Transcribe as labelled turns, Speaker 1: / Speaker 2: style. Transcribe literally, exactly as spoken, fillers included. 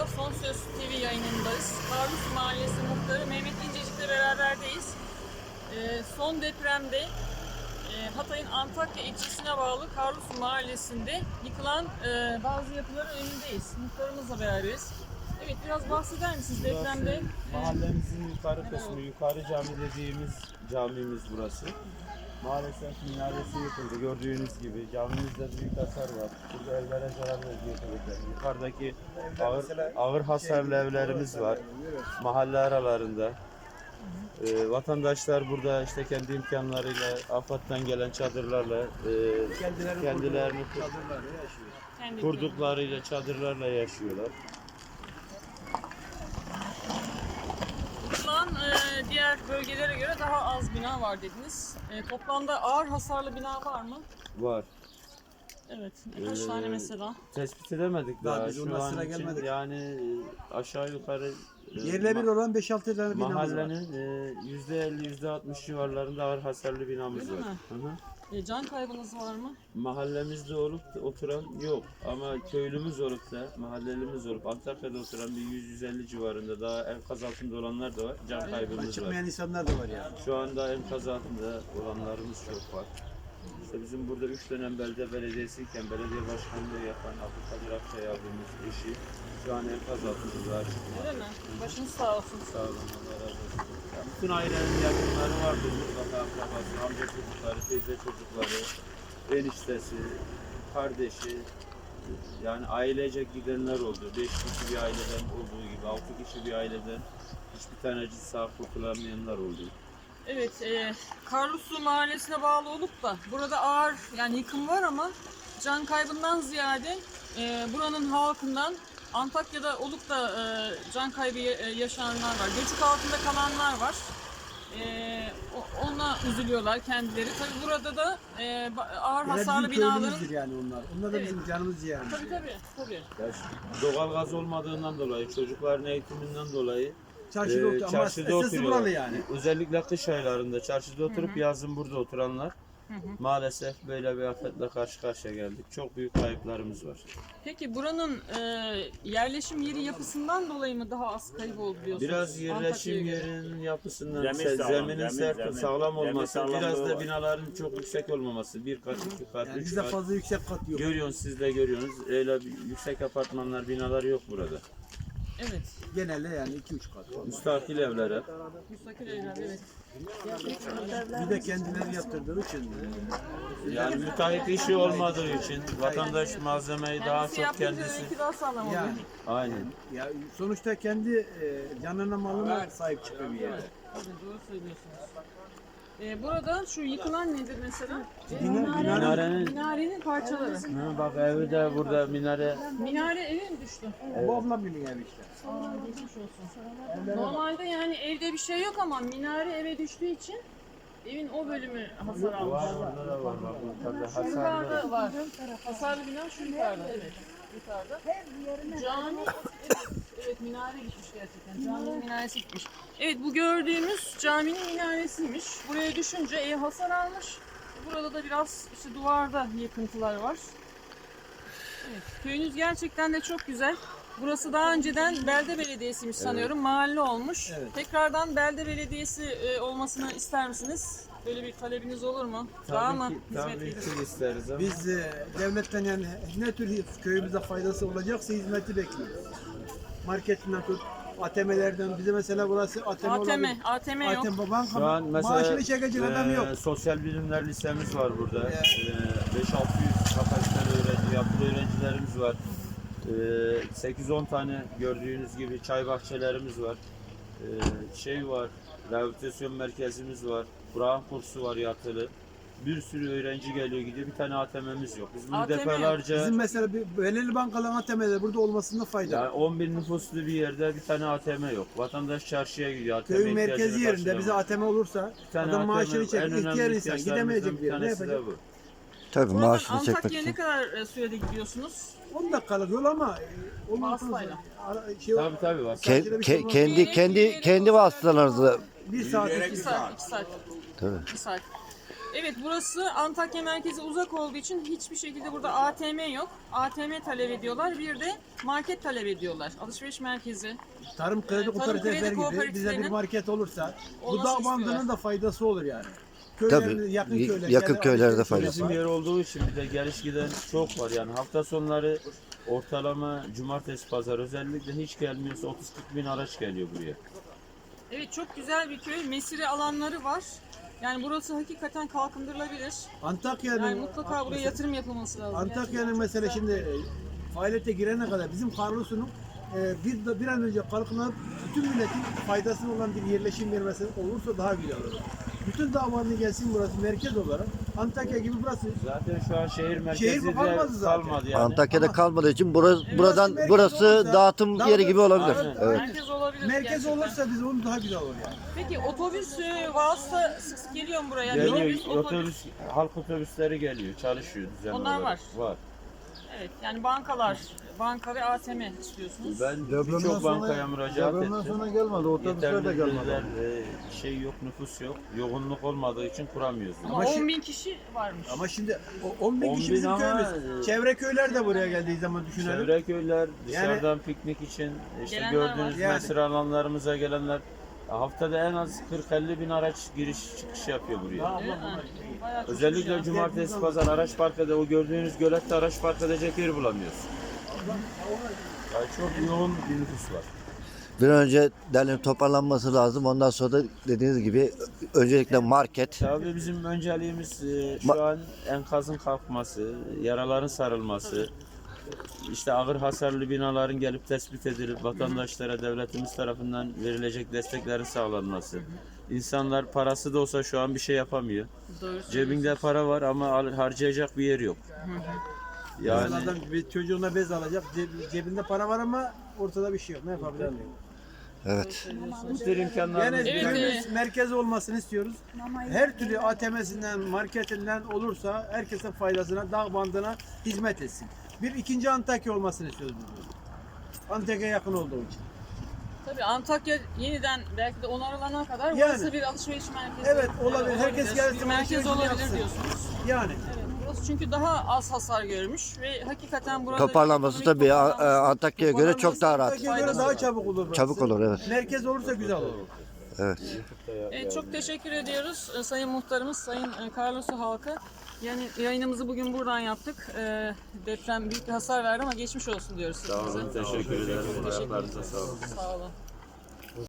Speaker 1: Merhaba, Son Söz T V yayınındayız. Karlus Mahallesi Muhtarı Mehmet İncecik'le beraberdeyiz. Ee, son depremde e, Hatay'ın Antakya ilçesine bağlı Karlus Mahallesi'nde yıkılan e, bazı yapıların önündeyiz. Muhtarımızla beraberiz. Evet, biraz bahseder misiniz depremde?
Speaker 2: Mahallemizin yukarı kısmı, yukarı cami dediğimiz camimiz burası. Maalesef minaresi yıkıldı. Gördüğünüz gibi camimizde büyük hasar var. Burada evlere zarar veriyor tabii. Yukarıdaki ağır, ağır hasarlı evlerimiz var. Mahalle aralarında. Ee, vatandaşlar burada işte kendi imkanlarıyla, AFAD'dan gelen çadırlarla e, kendilerini kur, kurduklarıyla, çadırlarla yaşıyorlar.
Speaker 1: Yıkılan e, diğer bölgelere göre daha az bina var dediniz. E, toplamda ağır hasarlı bina var mı?
Speaker 2: Var.
Speaker 1: Evet. Kaç
Speaker 2: Ee,
Speaker 1: tane mesela?
Speaker 2: Tespit edemedik daha.
Speaker 3: Daha biz
Speaker 2: Şu
Speaker 3: ona
Speaker 2: an
Speaker 3: sıra
Speaker 2: için
Speaker 3: gelmedik.
Speaker 2: yani e, aşağı yukarı e,
Speaker 3: Yerle bir
Speaker 2: ma-
Speaker 3: olan beş altı tane binamız var.
Speaker 2: mahallenin e, yüzde elli yüzde altmış civarlarında ağır hasarlı binamız
Speaker 1: Öyle
Speaker 2: var.
Speaker 1: mi?
Speaker 2: Hı hı.
Speaker 1: E, can kaybınız var mı?
Speaker 2: Mahallemizde olup da oturan yok ama köylümüz olup da mahallelimiz olup Antakya'da oturan bir yüz yüz elli civarında daha enkaz altında olanlar da var. Can kaybımız var.
Speaker 3: Çıkmayan insanlar da var yani.
Speaker 2: Şu anda enkaz altında olanlarımız çok var. İşte bizim burada üç dönem belde belediyesiyken belediye başkanlığı yapan Abdülkadir Akçay abimiz eşi şu an enkaz altında daha çıkmıyor.
Speaker 1: Öyle mi? Başınız sağ olsun.
Speaker 2: Sağ olun, Allah razı olsun. Yani bütün ailenin yakınları vardır mutlaka, akrabası, amca çocukları, teyze çocukları, eniştesi, kardeşi, yani ailecek gidenler oldu. Beş kişi bir aileden olduğu gibi, altı kişi bir aileden hiçbir tanecik sağ kurtulamayanlar oldu.
Speaker 1: Evet, e, Karlusu Mahallesi'ne bağlı olup da burada ağır yani yıkım var ama can kaybından ziyade e, buranın halkından Antakya'da olup da e, can kaybı e, yaşayanlar var. Göçük altında kalanlar var. E, o- ona üzülüyorlar kendileri. Tabii burada da e, ba- ağır
Speaker 3: Yani
Speaker 1: hasarlı
Speaker 3: bizim
Speaker 1: binaların...
Speaker 3: köylümüzdür yani onlar. Onlar da
Speaker 1: Evet.
Speaker 3: bizim canımız yani.
Speaker 1: Tabii tabii. tabii.
Speaker 2: Ya şu doğal gaz olmadığından dolayı, çocukların eğitiminden dolayı
Speaker 3: Çarşıda
Speaker 2: e,
Speaker 3: oturuyor ama
Speaker 2: çarşıda
Speaker 3: esası
Speaker 2: oturuyorlar.
Speaker 3: buralı yani.
Speaker 2: Özellikle kış aylarında çarşıda oturup
Speaker 1: Hı hı.
Speaker 2: yazın burada oturanlar.
Speaker 1: Hı hı.
Speaker 2: Maalesef böyle bir afetle karşı karşıya geldik. Çok büyük kayıplarımız var.
Speaker 1: Peki buranın e, yerleşim yeri yapısından dolayı mı daha az kayıp oldu diyorsunuz?
Speaker 2: Biraz yerleşim
Speaker 1: Antakya'ya göre.
Speaker 2: yerinin yapısından,
Speaker 4: Zemin
Speaker 2: se-
Speaker 4: sağlam,
Speaker 2: zeminin
Speaker 4: zemin,
Speaker 2: sert,
Speaker 4: zemin.
Speaker 2: sağlam
Speaker 4: Zemin
Speaker 2: olması,
Speaker 4: sağlamlığı
Speaker 2: biraz da
Speaker 4: var.
Speaker 2: binaların çok yüksek olmaması. Bir kat, iki kat,
Speaker 3: Yani
Speaker 2: üç
Speaker 3: bizde
Speaker 2: kat.
Speaker 3: fazla yüksek kat yok.
Speaker 2: Görüyorsunuz, siz de görüyorsunuz. Öyle bir yüksek apartmanlar, binalar yok burada.
Speaker 1: Evet.
Speaker 3: Genelde yani iki üç kat var.
Speaker 2: Müstakil evlere.
Speaker 1: Müstakil evler, evet.
Speaker 3: Bir de kendileri yaptırdığı için.
Speaker 2: Yani müteahhit işi olmadığı için vatandaş malzemeyi daha
Speaker 1: Kendisi
Speaker 2: çok
Speaker 1: yapınca
Speaker 2: kendisi.
Speaker 1: belki daha sağlam oluyor.
Speaker 3: Yani
Speaker 2: Aynen.
Speaker 3: ya sonuçta kendi e, canına malına sahip çıkıyor bir yere.
Speaker 1: Evet, doğru söylüyorsunuz. Ee, burada şu yıkılan nedir mesela?
Speaker 3: Bina-
Speaker 2: Minarenin
Speaker 1: Minarenin parçaları.
Speaker 2: Ha, bak evi de burada minare.
Speaker 1: Minare eve mi düştü?
Speaker 3: Bu ablam benim ev işte.
Speaker 1: Aa, geçmiş olsun. Normalde yani evde bir şey yok ama minare eve düştüğü için evin o bölümü hasar almış.
Speaker 2: Var orada da var bak yukarıda
Speaker 1: Şu
Speaker 2: hasarlı.
Speaker 1: yukarıda var. Hasarlı bina şu yukarıda, evet. Yukarıda. Cami, evet, evet minare gitmiş gerçekten. Caminin minaresi gitmiş. Evet, bu gördüğümüz caminin minaresiymiş. Buraya düşünce ev hasar almış. Burada da biraz işte duvarda yıkıntılar var. Evet, köyünüz gerçekten de çok güzel. Burası daha önceden belde belediyesiymiş sanıyorum. Mahalle olmuş.
Speaker 3: Evet.
Speaker 1: Tekrardan belde belediyesi e, olmasını ister misiniz? Böyle bir talebiniz olur mu? Daha mı
Speaker 2: Tabii ki,
Speaker 1: hizmet
Speaker 2: tabii
Speaker 1: verir?
Speaker 2: ki isteriz ama.
Speaker 3: Biz e, devletten yani ne tür köyümüze faydası olacaksa hizmeti bekliyoruz. Marketinden tut, A T M'lerden bize mesela burası A T M
Speaker 1: A T M,
Speaker 3: olabilir.
Speaker 1: A T M yok.
Speaker 3: A T M banka
Speaker 2: Şu an mesela
Speaker 3: maaşını çekecek adam yok.
Speaker 2: e, sosyal bilimler lisemiz var burada.
Speaker 3: Evet.
Speaker 2: E, beş altı yüz kapasiteli öğrenci, yatılı öğrencilerimiz var. E, sekiz on tane gördüğünüz gibi çay bahçelerimiz var. E, şey var, rehabilitasyon merkezimiz var. Kur'an kursu var yatılı. Bir sürü öğrenci geliyor gidiyor. Bir tane A T M'miz yok. Biz bunu
Speaker 1: A T M yok.
Speaker 2: defalarca
Speaker 3: Bizim mesela bir belirli bankaların A T M'leri burada olmasında fayda
Speaker 2: yani
Speaker 3: var.
Speaker 2: on bin nüfuslu bir yerde bir tane A T M yok. Vatandaş çarşıya gidiyor. A T M
Speaker 3: Köyün merkezi
Speaker 2: ihtiyacını
Speaker 3: yerinde
Speaker 2: karşılamaya.
Speaker 3: bize A T M olursa
Speaker 2: Bir tane
Speaker 3: adam
Speaker 2: A T M
Speaker 3: maaşını
Speaker 2: en
Speaker 3: çekip
Speaker 2: önemli
Speaker 3: ihtiyar insan
Speaker 2: ihtiyaçlarımızdan
Speaker 3: gidemeyecek
Speaker 2: bir
Speaker 3: bir yere ne
Speaker 2: tanesi de
Speaker 3: yapacak?
Speaker 2: bu.
Speaker 5: Tabii
Speaker 1: Buradan
Speaker 5: maaşını çekmek
Speaker 1: Antakya'ya
Speaker 5: için.
Speaker 1: ne kadar e, sürede gidiyorsunuz?
Speaker 3: on dakikalık yol ama e, ondan sonra
Speaker 1: Vasıtayla.
Speaker 3: ara- şey,
Speaker 2: Tabii tabii bak.
Speaker 5: Ke- ke- kendi kendi kendi vasıtalarınızı
Speaker 3: bir saat
Speaker 1: İki
Speaker 3: iki
Speaker 1: saat, iki saat.
Speaker 5: tabii.
Speaker 1: İki saat. Evet, burası Antakya merkeze uzak olduğu için hiçbir şekilde burada A T M yok. A T M talep ediyorlar. Bir de market talep ediyorlar. Alışveriş merkezi.
Speaker 3: Tarım kredi
Speaker 1: Tarım
Speaker 3: kooperatifleri
Speaker 1: kredi
Speaker 3: gibi bize bir
Speaker 1: kooperatiflerinin
Speaker 3: market olursa bu
Speaker 1: olması
Speaker 3: dağ
Speaker 1: istiyorlar.
Speaker 3: bandının da faydası olur yani.
Speaker 4: Tabii,
Speaker 3: Köylerin, yakın
Speaker 4: y-
Speaker 3: köyler,
Speaker 4: yakın
Speaker 3: yani
Speaker 4: köylerde
Speaker 3: alışveriş
Speaker 4: faydası
Speaker 2: Bizim
Speaker 3: yapar.
Speaker 2: yer olduğu için bir de geliş giden çok var yani hafta sonları ortalama cumartesi pazar özellikle hiç gelmiyorsa otuz kırk bin araç geliyor buraya.
Speaker 1: Evet, çok güzel bir köy. Mesire alanları var. Yani burası hakikaten kalkındırılabilir.
Speaker 3: Antakya'nın
Speaker 1: Yani mutlaka buraya yatırım yapılması lazım.
Speaker 3: Antakya'nın mesela şimdi e, faaliyete girene kadar bizim Karlusu'nun e, bir, bir an önce kalkınıp bütün milletin faydasına olan bir yerleşim yeri mesela olursa daha güzel olur. Bütün davanlı gelsin burası merkez olarak. Antakya gibi burası.
Speaker 2: Zaten şu an şehir merkezi
Speaker 3: Şehir
Speaker 2: de
Speaker 3: kalmadı zaten.
Speaker 2: kalmadı yani.
Speaker 4: Antakya'da
Speaker 3: Ama-
Speaker 4: kalmadığı için burası, buradan
Speaker 3: merkez
Speaker 4: burası
Speaker 3: olursa
Speaker 4: dağıtım
Speaker 3: daha
Speaker 4: yeri
Speaker 3: da-
Speaker 4: gibi olabilir.
Speaker 2: Aynen.
Speaker 4: Evet.
Speaker 1: Merkez olabilir.
Speaker 3: Merkez
Speaker 1: gerçekten.
Speaker 3: olursa biz onu daha güzel olur yani.
Speaker 1: Peki otobüs e, vasıta sık sık geliyor mu buraya?
Speaker 2: Geliyor,
Speaker 1: Minibüs,
Speaker 2: otobüs, halk otobüsleri geliyor, çalışıyor düzenli
Speaker 1: Onlar
Speaker 2: olarak.
Speaker 1: var.
Speaker 2: Var.
Speaker 1: Evet, yani bankalar, banka ve A T M istiyorsunuz.
Speaker 2: Ben
Speaker 5: Depremden
Speaker 2: birçok
Speaker 5: sonra-
Speaker 2: bankaya müracaat
Speaker 5: Depremden
Speaker 2: ettim.
Speaker 5: sonra gelmedi, otobüsler de
Speaker 2: Yeterli
Speaker 5: gelmedi.
Speaker 2: gözler, e, şey yok, nüfus yok. Yoğunluk olmadığı için kuramıyoruz.
Speaker 1: Ama
Speaker 3: Ama şi-
Speaker 1: on bin kişi varmış.
Speaker 3: Ama şimdi o on bin
Speaker 2: on
Speaker 3: kişi
Speaker 2: bin
Speaker 3: bizim
Speaker 2: ama,
Speaker 3: köyümüz.
Speaker 2: e,
Speaker 3: Çevre köyler de buraya geldiği zaman düşünelim.
Speaker 2: Çevre köyler, dışarıdan piknik için işte
Speaker 1: Gelenler
Speaker 2: gördüğünüz
Speaker 3: var. Yani.
Speaker 2: mesire alanlarımıza gelenler haftada en az kırk elli bin araç giriş çıkış yapıyor buraya.
Speaker 1: Değil mi? Bayağı çok
Speaker 2: Özellikle
Speaker 1: güzel.
Speaker 2: cumartesi pazar araç park ede o gördüğünüz gölette araç park edecek yer bulamıyoruz. Yani çok yoğun bir nüfus var.
Speaker 4: Bir an önce derlenip toparlanması lazım. Ondan sonra da dediğiniz gibi öncelikle market.
Speaker 2: Tabii bizim önceliğimiz e, şu
Speaker 4: Ma-
Speaker 2: an enkazın kalkması, yaraların sarılması, işte ağır hasarlı binaların gelip tespit edilip vatandaşlara devletimiz tarafından verilecek desteklerin sağlanması. İnsanlar parası da olsa şu an bir şey yapamıyor.
Speaker 1: Doğru
Speaker 2: Cebinde para var ama al- harcayacak bir yer yok.
Speaker 3: Yani
Speaker 2: Yani
Speaker 3: adam bir çocuğuna bez alacak, ceb- cebinde para var ama ortada bir şey yok. Ne yapabilir?
Speaker 4: Evet.
Speaker 2: bu tür imkanlarımız
Speaker 3: Yani
Speaker 1: Evet,
Speaker 3: köyümüz
Speaker 1: e-
Speaker 3: merkez olmasını istiyoruz. Her türlü A T M'sinden, marketinden olursa herkesin faydasına, dağ bandına hizmet etsin. Bir ikinci Antakya olmasını istiyoruz biz. Antakya yakın olduğu için.
Speaker 1: Tabii Antakya yeniden belki de onarılana kadar
Speaker 3: Yani.
Speaker 1: burası bir alışveriş merkezi.
Speaker 3: Evet, olabilir. Herkes gelsin,
Speaker 1: Bir merkez
Speaker 3: alışverişini
Speaker 1: olabilir
Speaker 3: yapsın.
Speaker 1: diyorsunuz.
Speaker 3: Yani
Speaker 1: Evet, burası çünkü daha az hasar görmüş ve hakikaten burada
Speaker 4: Toparlanması
Speaker 1: ekonomik
Speaker 4: tabii A-
Speaker 1: toparlanması-
Speaker 4: A- Antakya'ya göre çok daha rahat.
Speaker 3: Antakya'ya göre daha çabuk olur burası.
Speaker 4: Çabuk olur, evet.
Speaker 3: Merkez olursa güzel olur.
Speaker 4: Evet.
Speaker 1: Evet, çok teşekkür ediyoruz e, Sayın Muhtarımız, Sayın e, Karlosu halkı. Yani yayınımızı bugün buradan yaptık. E, deprem büyük bir hasar verdi ama geçmiş olsun diyoruz
Speaker 2: sağ
Speaker 1: size.
Speaker 2: olun, teşekkür ederim. Ayaklarınıza sağlık.
Speaker 1: Sağ olun.